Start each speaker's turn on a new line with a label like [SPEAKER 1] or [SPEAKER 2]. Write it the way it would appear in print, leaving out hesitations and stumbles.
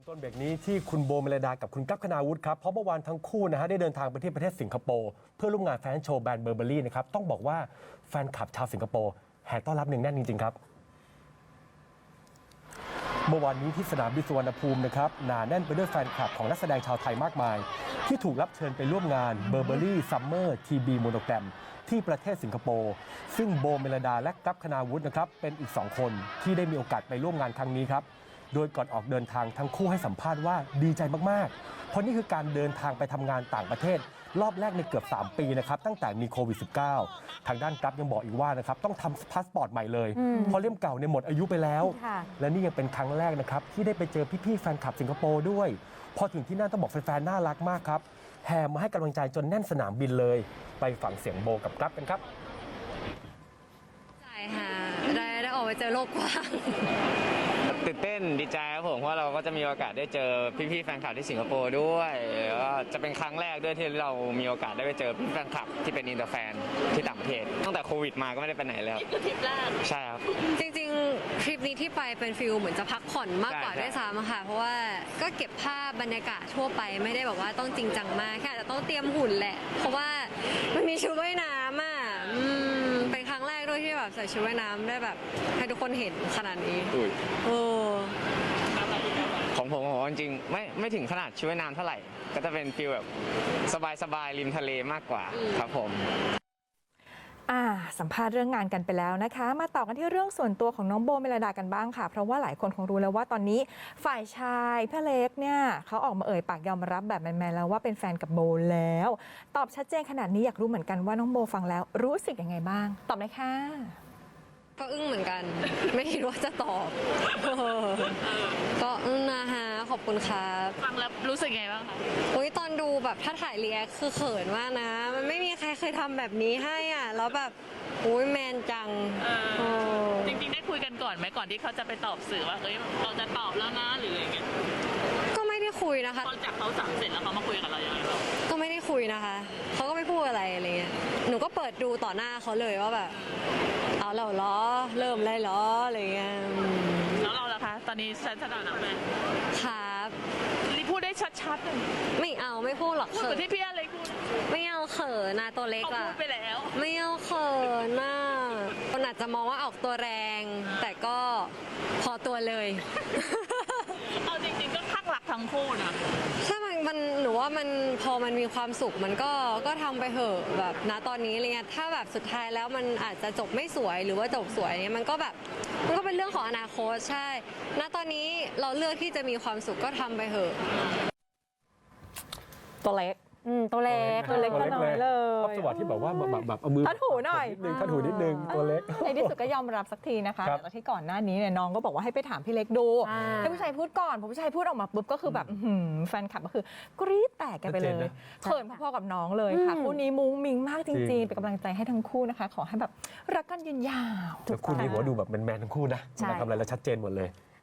[SPEAKER 1] ต้นเบรกนี้ที่คุณโบเมลดากับคุณกั๊บคณาวุฒิครับเพราะเมื่อวานทั้งคู่นะฮะได้เดินทางไปที่ประเทศสิงคโปร์เพื่อร่วมงานแฟชั่นโชว์แบรนด์เบอร์เบอรี่นะครับต้องบอกว่าแฟนคลับชาวสิงคโปร์แห่ต้อนรับหนึ่งแน่นจริงๆครับเมื่อวานนี้ที่สนามบินสุวรรณภูมินะครับหนาแน่นไปด้วยแฟนคลับของนักแสดงชาวไทยมากมายที่ถูกรับเชิญไปร่วมงานเบอร์เบอรี่ซัมเมอร์ทีบีโมโนแกรมที่ประเทศสิงคโปร์ซึ่งโบเมลดาและกั๊บคณาวุฒินะครับเป็นอีก2คนที่ได้มีโอกาสไปร่วมงานครั้งนี้ครับโดยก่อนออกเดินทางทั้งคู่ให้สัมภาษณ์ว่าดีใจมากๆเพราะนี่คือการเดินทางไปทำงานต่างประเทศรอบแรกในเกือบ3 ปีนะครับตั้งแต่มีโควิด -19 ทางด้านกั๊บยังบอกอีกว่านะครับต้องทำพาสปอร์ตใหม่เลยเพราะเล่มเก่าเนี่ยหมดอายุไปแล้วและนี่ยังเป็นครั้งแรกนะครับที่ได้ไปเจอพี่ๆแฟนคลับสิงคโปร์ด้วยพอถึงที่นั่นต้องบอกแฟนๆน่ารักมากครับแห่มาให้กำลังใจจนแน่นสนามบินเลยไปฟังเสียงโบกับกั๊บกันครับ
[SPEAKER 2] ใช่ค่ะได้ออกไปเจอโลกกว้าง
[SPEAKER 3] ตื่นเต้นดีใจครับผมเพราะเราก็จะมีโอกาสได้เจอพี่ๆแฟนคลับที่สิงคโปร์ด้วยแล้วก็จะเป็นครั้งแรกด้วยที่เรามีโอกาสได้ไปเจอพี่แฟนคลับที่เป็นอินเตอร์แฟนที่ต่างประเทศตั้งแต่โควิดมาก็ไม่ได้ไปไหนแล้ว
[SPEAKER 2] นี่คือทริปแรก
[SPEAKER 3] ใช่ครับ
[SPEAKER 2] จริงๆทริปนี้ที่ไปเป็นฟิลเหมือนจะพักผ่อนมากกว่าด้วยซ้ำค่ะเพราะว่าก็เก็บภาพบรรยากาศทั่วไปไม่ได้แบบว่าต้องจริงจังมากแค่อาจจะต้องเตรียมหุ่นแหละเพราะว่ามันมีชุดว่ายน้ำอ่ะเป็นครั้งแรกด้วยที่แบบใส่ชุดว่ายน้ำได้แบบให้ทุกคนเห็นขนาดนี้
[SPEAKER 3] ของผมจริงๆไม่ถึงขนาดชุดว่ายน้ำเท่าไหร่ก็จะเป็นฟีลแบบสบายๆริมทะเลมากกว่าครับผม
[SPEAKER 4] สัมภาษณ์เรื่องงานกันไปแล้วนะคะมาต่อกันที่เรื่องส่วนตัวของน้องโบเมลดากันบ้างค่ะเพราะว่าหลายคนคงรู้แล้วว่าตอนนี้ฝ่ายชายพี่เล็กเนี่ยเขาออกมาเอ่ยปากยอมรับแบบแมนๆแล้วว่าเป็นแฟนกับโบแล้วตอบชัดเจนขนาดนี้อยากรู้เหมือนกันว่าน้องโบฟังแล้วรู้สึกยังไงบ้างตอบเลยค่ะ
[SPEAKER 2] ก็อึ้งเหมือนกันไม่คิดว่าจะตอบก็อึ้งนะฮะขอบคุณครับ
[SPEAKER 5] ฟังแล้วรู้สึกไงบ้างคะ
[SPEAKER 2] ตอนดูแบบถ้าถ่ายรีแอคคือเขินมากนะมันไม่มีใครเคยทำแบบนี้ให้อ่ะแล้วแบบแมนจัง
[SPEAKER 5] จริงๆได้คุยกันก่อนไหมก่อนที่เขาจะไปตอบสื่อว่าเราจะตอบแล้วนะหรืออะไรเงี้ย
[SPEAKER 2] ก็ไม่ได้คุยนะคะ
[SPEAKER 5] ตอนจากเขาสั่งเสร็จแล้วเขามาคุยกับเราอย่างไรบ้าง
[SPEAKER 2] ก็ไม่ได้คุยนะคะเขาก็ไม่พูดอะไรเงี้ยหนูก็เปิดดูต่อหน้าเขาเลยว่าแบบเอาแล้วเหรอเริ่มเลยเหรออะไรเงี้ย
[SPEAKER 5] แล้วเราล่ะคะตอนนี้ฉันถนัดไหม
[SPEAKER 2] ครับ
[SPEAKER 5] นี่พูดได้ชัดๆเลย
[SPEAKER 2] ไม่พูดหรอก
[SPEAKER 5] พูดเหมือนที่พี่อะไรพูด
[SPEAKER 2] ไม่เอาเขินนะตัวเล็กอะ
[SPEAKER 5] พูดไปแล้ว
[SPEAKER 2] ไม่เอาเขินนะคนอาจจะมองว่าออกตัวแรงแต่ก็พอตัวเลย
[SPEAKER 5] เอาจริงๆก็ข้างหลักทั้งคู่นะ
[SPEAKER 2] ถ้ามันหนูว่ามันพอมันมีความสุขมันก็ทำไปเถอะแบบณตอนนี้อะไรเงี้ยถ้าแบบสุดท้ายแล้วมันอาจจะจบไม่สวยหรือว่าจบสวยเนี่ยมันก็เป็นเรื่องของอนาคตใช่ณตอนนี้เราเลือกที่จะมีความสุขก็ทำไปเถอะ
[SPEAKER 4] ตัวเล็กตัวเล็กก็น้อยเลย
[SPEAKER 1] ชอบจังหวะที่แบบว่าแบบเอามือ
[SPEAKER 4] ทัดหูหน่อย
[SPEAKER 1] ทัดหูนิดนึงตัวเล็ก
[SPEAKER 4] ในที่สุดก็ยอมรับสักทีนะคะแต่ที่ก่อนหน้านี้เนี่ยน้องก็บอกว่าให้ไปถามพี่เล็กดูให้ผู้ชายพูดก่อนพอผู้ชายพูดออกมาปุ๊บก็คือแบบแฟนคลับก็คือกรี๊ดแตกกันไปเลยเขินพอๆกับน้องเลยค่ะคู่นี้มุ้งมิ้งมากจริงๆเป็นกำลังใจให้ทั้งคู่นะคะขอให้แบบรักกันยืนยาว
[SPEAKER 1] คู่นี้ผมว่าดูแบบแมนๆทั้งคู่นะทำอะไรแล้วชัดเจนหมดเลย